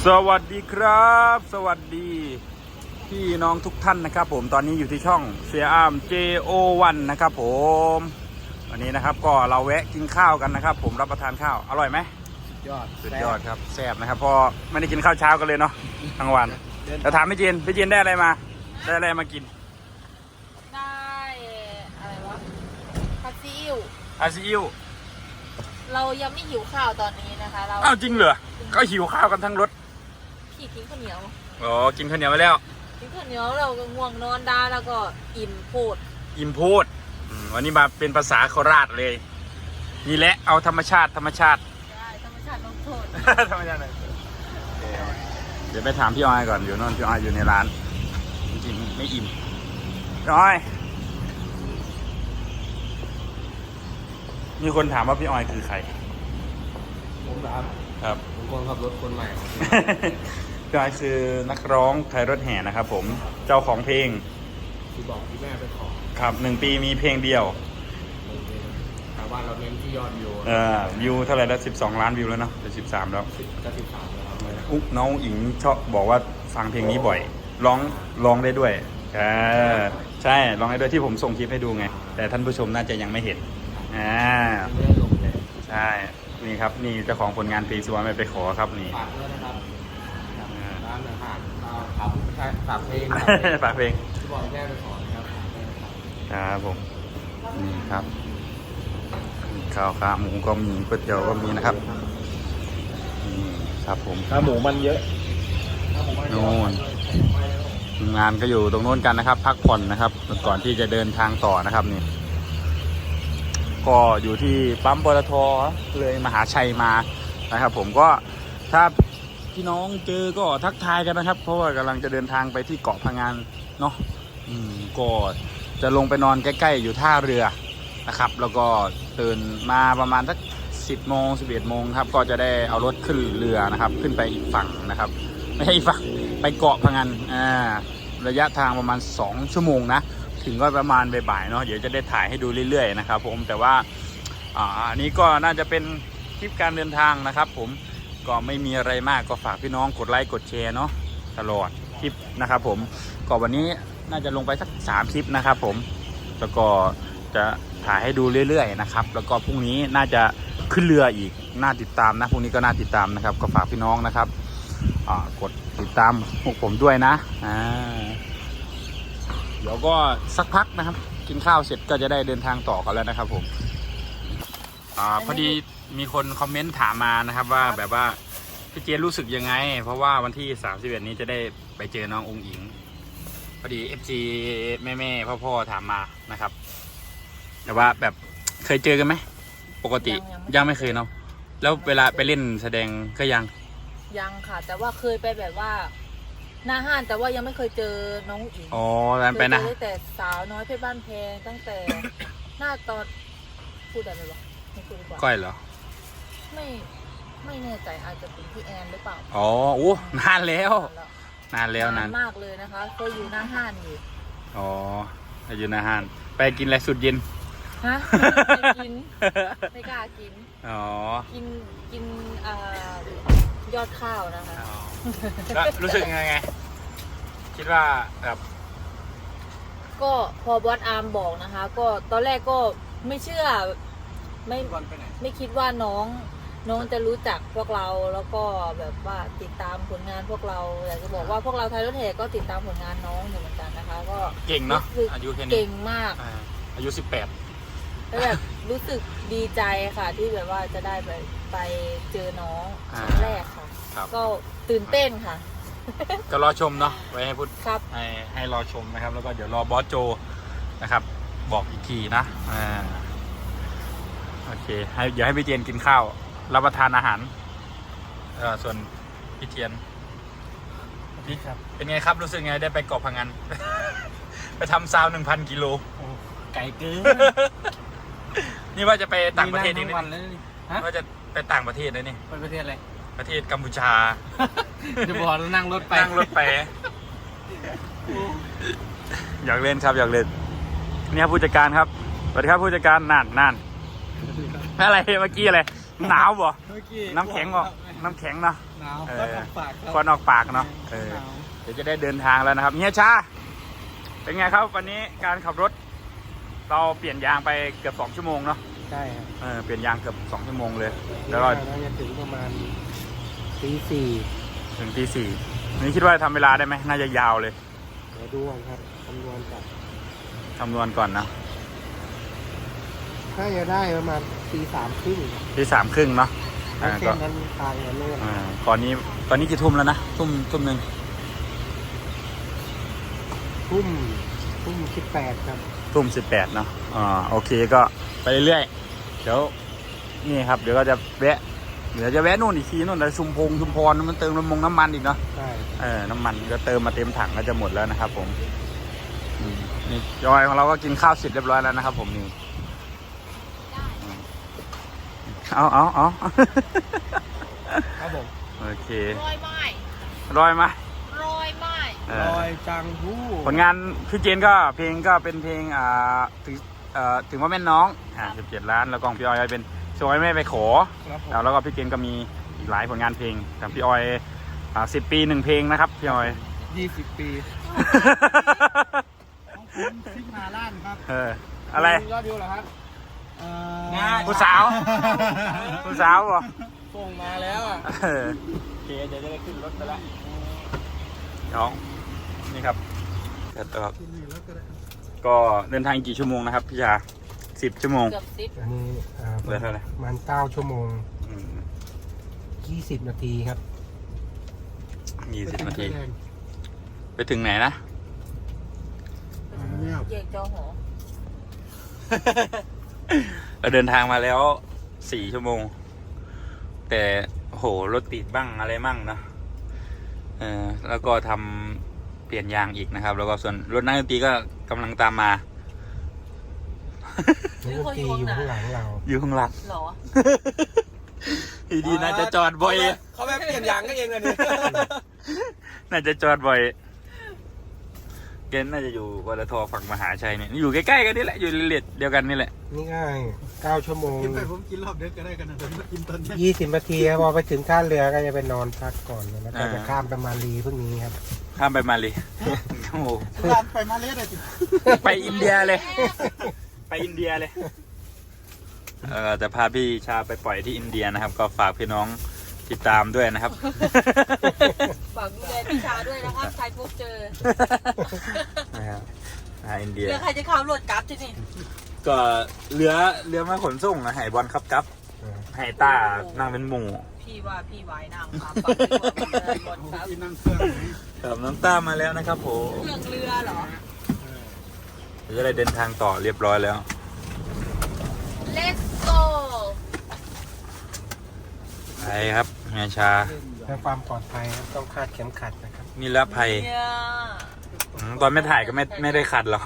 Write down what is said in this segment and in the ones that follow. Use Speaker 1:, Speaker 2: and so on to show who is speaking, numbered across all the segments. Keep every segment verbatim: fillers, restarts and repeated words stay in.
Speaker 1: สวัสดีครับสวัสดีพี่น้องทุกท่านนะครับผมตอนนี้อยู่ที่ช่องเสียอาม เจ โอ วัน นะครับผมวันนี้นะครับก็เราแวะกินข้าวกันนะครับผมรับประทานข้าวอร่อยไหม
Speaker 2: สุดยอด
Speaker 1: สุดยอดครับแซ่บนะครับพอไม่ได้กินข้าวเช้ากันเลยเนาะทั้งวันแต่ถามพี่เจนพี่เจนได้อะไรมาได้อะไรมากิน
Speaker 3: ได้อะไรวะผัดซีอิ๊ว
Speaker 1: อาซีอิ๊ว
Speaker 3: เรายังไม่หิวข้าวตอนนี้นะคะเรา
Speaker 1: อ้าวจริงเหรอก็หิวข้าวกันทั้งรถ
Speaker 3: พี่กินข้าวเหนียว
Speaker 1: อ๋อกินข้าวเหนียวไปแล้ว
Speaker 3: กินข้าวเหนียวเราก็ง่วงนอนได้แล้วก็อิ่มโพด
Speaker 1: อิ่มโพดวันนี้มาเป็นภาษาโคราชเลยนี่แหละเอาธรรมชาติธรรมชาติ
Speaker 3: ได้ธรรมชาติลงโทษ
Speaker 1: ธรรมชาติเลยเดี๋ยวไปถามพี่ออยก่อนอยู่นนพี่ออยอยู่ในร้านจริงๆไม่อิ่มพี่ออยมีคนถามว่าพี่ออยคือใคร
Speaker 2: ผมครับ
Speaker 1: ครับ
Speaker 2: ผมคนขับรถคนใหม่
Speaker 1: พี่ออยคือนักร้องไทยรถแห่นะครับผมเจ้าของเพลง
Speaker 2: ที่บอกที่แม่ไปขอ
Speaker 1: ครับหนึ่งปีมีเพลงเดียว
Speaker 2: ชาวบ้านเราเน้นที่ยอดวิว
Speaker 1: เออวิวเท่าไหร่แล้วสิบสองล้านวิวแล้วเนาะจะสิบสามแล้ว
Speaker 2: จะสิบสามแล้ว
Speaker 1: อุ๊น้องอิงชอบบอกว่าฟังเพลงนี้บ่อยร้องร้องได้ด้วยอ่าใช่ร้องได้ด้วยที่ผมส่งคลิปให้ดูไงแต่ท่านผู้ชมน่าจะยังไม่เห็นอ่า
Speaker 2: ไม่ได้ลงเลย
Speaker 1: ใช่นี่ครับนี่เจ้าของผลงานเพลงสวนไม่ไปขอครับนี่
Speaker 2: ฝากด้วยนะครับร้านอาหารครับฝากเพลง
Speaker 1: ฝากเพลง
Speaker 2: ที่บอกแม่ไปขอนะครับ
Speaker 1: ครับผมนี่ครับข้าวขาหมูก็มีก๋วยเตี๋ยวก็มีนะครับนี่ครับผม
Speaker 2: ขาหมูมันเยอะ
Speaker 1: โน่นงานก็อยู่ตรงโน้นกันนะครับพักผ่อนนะครับก่อนที่จะเดินทางต่อนะครับนี่ก็อยู่ที่ปั๊มปตทเลยมหาชัยมานะครับผมก็ถ้าพี่น้องเจอก็ทักทายกันนะครับเพราะว่ากำลังจะเดินทางไปที่เกาะพะงันเนาะอืมก็จะลงไปนอนใกล้ๆอยู่ท่าเรือนะครับแล้วก็ตื่นมาประมาณสักสิบโมงสิบเอ็ดโมงครับก็จะได้เอารถขึ้นเรือนะครับขึ้นไปอีกฝั่งนะครับไม่ใช่อีกฝั่งไปเกาะพะงันอ่าระยะทางประมาณสองชั่วโมงนะถึงก็ประมาณบ่ายๆเนาะเดี๋ยวจะได้ถ่ายให้ดูเรื่อยๆนะครับผมแต่ว่าอ่าอันนี้ก็น่าจะเป็นคลิปการเดินทางนะครับผมก็ไม่มีอะไรมากก็ฝากพี่น้องกดไลค์กดแชร์เนาะตลอดคลิปนะครับผมก็วันนี้น่าจะลงไปสักสามคลิปนะครับผมแล้วก็จะถ่ายให้ดูเรื่อยๆนะครับแล้วก็พรุ่งนี้น่าจะขึ้นเรืออีกน่าติดตามนะพรุ่งนี้ก็น่าติดตามนะครับก็ฝากพี่น้องนะครับอ่ากดติดตามพวกผมด้วยนะอ่าเดี๋ยวก็สักพักนะครับกินข้าวเสร็จก็จะได้เดินทางต่อกันแล้วนะครับผมอ่าพอดีมีคนคอมเมนต์ถามมานะครับว่าแบบว่าพี่เจนรู้สึกยังไงเพราะว่าวันที่สามสิบเอ็ดนี้จะได้ไปเจอน้ององค์อิงพอดี เอฟ ซี แม่ๆพ่อๆถามมานะครับแต่ว่าแบบเคยเจอกันไหมปกติยังไม่เคยเนาะแล้วเวลาไปเล่นแสดงก็ยัง
Speaker 3: ยังค่ะแต่ว่าเคยไปแบบว่าหน้าห้านแต่ว่ายังไม่เคยเจอน้องอิง
Speaker 1: อ๋อไปนะ
Speaker 3: ตั้งแต่สาวน้อยเพชรบ้านแพงตั้งแต่หน้าตอนพูดได้ไหมวะไม่พูดดีกว่า
Speaker 1: ก้อยเหรอ
Speaker 3: ไม่ไม่แน่ใจอาจจะเป็นพี่แอนหรือเปล่า
Speaker 1: อ๋อโอ้นานแล้วนานแล้วนาน
Speaker 3: มากเลยนะคะเคยอยู่หน้าห้านอยู่
Speaker 1: อ๋ออยู่หน้าห้านไปกินอะไรสุดเย็น
Speaker 3: ฮะไม่กินไม่กล้ากิน
Speaker 1: อ๋อ
Speaker 3: กินกินอ่ายอดข้าวนะคะ
Speaker 1: แล้วรู้สึกยังไงคิดว่าแบบ
Speaker 3: ก็พอบอสอาร์มบอกนะคะก็ตอนแรกก็ไม่เชื่อไม่ไม่คิดว่าน้องน้องจะรู้จักพวกเราแล้วก็แบบว่าติดตามผลงานพวกเราอยากจะบอกว่าพวกเราไทยรถแห่ก็ติดตามผลงานน้องอยู่เหมือนกันนะคะก็
Speaker 1: เก่งเนาะอายุแค่นี้
Speaker 3: เก่งมาก
Speaker 1: อายุสิบแปด
Speaker 3: แล้วแบบรู้สึกดีใจค่ะที่แบบว่าจะได้ไปไปเจอน้องครั้งแรกค่ะก็ตื่นเต้นค่ะ
Speaker 1: ก็รอชมเนาะไว้ให้พูด
Speaker 3: ครับ
Speaker 1: ให้ให้รอชมนะครับแล้วก็เดี๋ยวรอบอสโจนะครับบอกอีกทีนะอ่าโอเคให้เดี๋ยวให้พี่เจนกินข้าวรับประทานอาหารเออส่วนพี่เทียนพี่ครับเป็นไงครับรู้สึกไงได้ไปเกาะพะงัน ไปทำซาวหนึ่งพันกิโล
Speaker 2: ไก่เกิน
Speaker 1: นี่ว่าจะไปต่างประเทศอีกนี่ว่าจะไปต่างประเทศเลยนี่
Speaker 2: ไปประเทศอะไร
Speaker 1: ประเทศกัมพูชา
Speaker 2: จะบอกนั่งรถไป
Speaker 1: นั่งรถไปอยากเล่นครับอยากเล่นนี่ครับผู้จัดการครับสวัสดีครับผู้จัดการนานนานอะไรเมื่อกี้อะไรหนาวบ่น้ำแข็งบ่น้ำแข็งเนาะ
Speaker 2: หนาว
Speaker 1: เอ
Speaker 2: ก็
Speaker 1: อ
Speaker 2: ทำปากครับ
Speaker 1: ควันออกปากเนาะเออ
Speaker 2: หนาว
Speaker 1: เดี๋ยวจะได้เดินทางแล้วนะครับเฮียชาเป็นไงครับวันนี้การขับรถ เราเปลี่ยนยางไปเกือบสองชั่วโมงเนาะ
Speaker 2: ใช่ครับ
Speaker 1: เออเปลี่ยนยางเกือบสองชั่วโมงเลยแล้วก็
Speaker 2: น่าจะถึงประมาณตีสี่
Speaker 1: ถึงตีสี่นี่คิดว่าทำเวลาได้ไหมน่าจะยาวเลย
Speaker 2: เดี๋ยวดูก่อนครับคำนวณก่อน
Speaker 1: คำนวณก่อนนะ
Speaker 2: ถ้าจะได้ประมาณตีสามครึ่ง
Speaker 1: ตีสามครึ่งเนาะ
Speaker 2: แล้ว
Speaker 1: อ่า
Speaker 2: เส้
Speaker 1: ก็
Speaker 2: นนั้นทางนั้นเลย
Speaker 1: อ่าตอนนี้ตอนนี้กี่ทุ่มแล้วนะทุ่มทุ่มหนึ่ง
Speaker 2: ทุ่มทุ่มสิบแปดครับ
Speaker 1: ทุ่มสิบแปดเนาะอ่าโอเคก็ไปเรื่อยๆเดี๋ยวนี่ครับเดี๋ยวก็จะแวะเดี๋ยวจะแวะนู่นอีกทีนู่นแต่ชุมพงชุมพรมันเติมน้ำมงน้ำมันอีกเนาะ
Speaker 2: ใช่
Speaker 1: เออน้ำมันก็เติมมาเต็มถังก็จะหมดแล้วนะครับผมอืมนี่จอยของเราก็กินข้าวเสร็จเรียบร้อยแล้วนะครับผมนี่อืมเอาเอาเอา
Speaker 2: ครับผม
Speaker 1: โอเค
Speaker 3: รอยไม้
Speaker 1: รอยไหม
Speaker 3: รอยไม้
Speaker 1: เอ
Speaker 2: ล
Speaker 1: อ
Speaker 2: อยจังหู้
Speaker 1: ผลงานพี่เจนก็เพลงก็เป็นเพลงอ่าถึงเอ่อถึงว่าแม่นน้องอ่าสิบเจ็ดล้านแล้วก็ของพี่ออยเป็นช่วยแม่ไปขอ
Speaker 2: ครับผม
Speaker 1: แล้วแล้วก็พี่เจนก็มีอีกหลายผลงานเพลงแต่พี่ออยอ่าสิบปีหนึ่งเพลงนะครับพี่ออย
Speaker 2: ยี่สิบปีของผมซิกมาล้านครับ
Speaker 1: เอออะไร
Speaker 2: ยอดวิวเหรอครับเอ่อ
Speaker 1: ผู้สาวผู้สาวบ่
Speaker 2: ส่งมาแล้วอ่ะ
Speaker 1: เออโอเคเดี๋ยวจะได้ขึ้นรถไปแล้วน้องนี่ครับแล้วก็ก็เดินทางกี่ชั่วโมงนะครับพี่ชาสิบชั่วโมง
Speaker 3: เกือบสิบ
Speaker 2: อันนี้อ่า
Speaker 1: เหลือเท่าไหร่
Speaker 2: ประมาณเก้าชั่วโมง
Speaker 1: อืม
Speaker 2: ยี่สิบนาทีครับ
Speaker 1: ยี่สิบนาทีไปถึงไหนนะ
Speaker 3: แยกจอหอ
Speaker 1: เราเดินทางมาแล้วสี่ชั่วโมง แต่โหรถติดบ้างอะไรมั่งเนอะเออแล้วก็ทำเปลี่ยนยางอีกนะครับ แล้วก็ส่วนรถนักดนตรีก็กำลังตามมา
Speaker 2: นักดนตรีอยู่ข้างหลังเรา
Speaker 1: อยู่ข้างหลัง
Speaker 3: เหรอ
Speaker 1: ดีดีน่าจะจอดบ่อย
Speaker 2: เขาแบบเปลี่ยนยางก็เองเลยนี่
Speaker 1: น่าจะจอดบ่อยเกณฑ์น่าจะอยู่วลทฝั่งมหาชัยเนี่ยอยู่ใกล้ๆกันนี่แหละอยู่เรียดเดียวกันนี่แหละ
Speaker 2: นี่ง่ายเก้าชั่วโมง
Speaker 4: กินไปผมกินรอบเด็กก็ได้กันนะแต่ผมกินตอนเนี้ย
Speaker 2: ยี่สิบนาทีครับพอไปถึงท่าเรือก็จะไปนอนพักก่อนแล้วก็จะข้ามไปมาลีพรุ่งนี้ครับ
Speaker 1: ข้ามไปมาเลยโอ้โห
Speaker 4: ร้านไปมาเลสเลยจิ
Speaker 1: ไปอินเดียเลย ไปอินเดียเลยเออจะพาพี่ชาไปปล่อยที่อินเดียนะครับ ก็ฝากพี่น้องติดตามด้วยนะครับ
Speaker 3: ฝากดูแลพี่ชาด้วยนะครับใครพบเจอ
Speaker 1: นะครับอ่าอินเดีย
Speaker 3: เรือใครจะขับรถกลับที่นี่
Speaker 1: ก็เรือเรือมาขนส่งนะไห้บอลครับกับไห้ต้านั่งเป็นหมู่
Speaker 3: พี่ว่าพี่วายน้ำครับฝากไปก่อนเลยก่อนครับ
Speaker 4: กินนั่งเครื่อง
Speaker 1: ครับน้ำต้ามาแล้วนะครับผม
Speaker 3: เครื่องเรือเหรอ
Speaker 1: เดี๋ยวจะได้เดินทางต่อเรียบร้อยแล้ว
Speaker 3: Let's go
Speaker 1: ไปครับเฮียชา
Speaker 2: เพื่อความปลอดภัยครับต้องคาดเข็มขัดนะครับ
Speaker 1: นิรภัย
Speaker 3: เนี่ย
Speaker 1: อืมตอนไม่ถ่ายก็ไม่ไม่ได้ขัดหรอก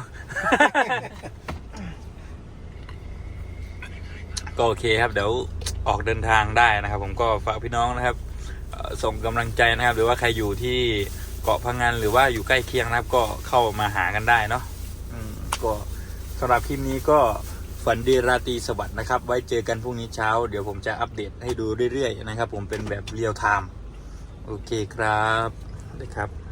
Speaker 1: ก็โอเคครับเดี๋ยวออกเดินทางได้นะครับ ผมก็ฝากพี่น้องนะครับเอ่อส่งกำลังใจนะครับ หรือว่าใครอยู่ที่เกาะพังงานหรือว่าอยู่ใกล้เคียงนะครับ ก็เข้ามาหากันได้เนาะอืมก็สำหรับคลิปนี้ก็ฝันดีราตรีสวัสดิ์นะครับ ไว้เจอกันพรุ่งนี้เช้า เดี๋ยวผมจะอัปเดตให้ดูเรื่อยๆนะครับ ผมเป็นแบบเรียลไทม์โอเคครับสวัสดีครับ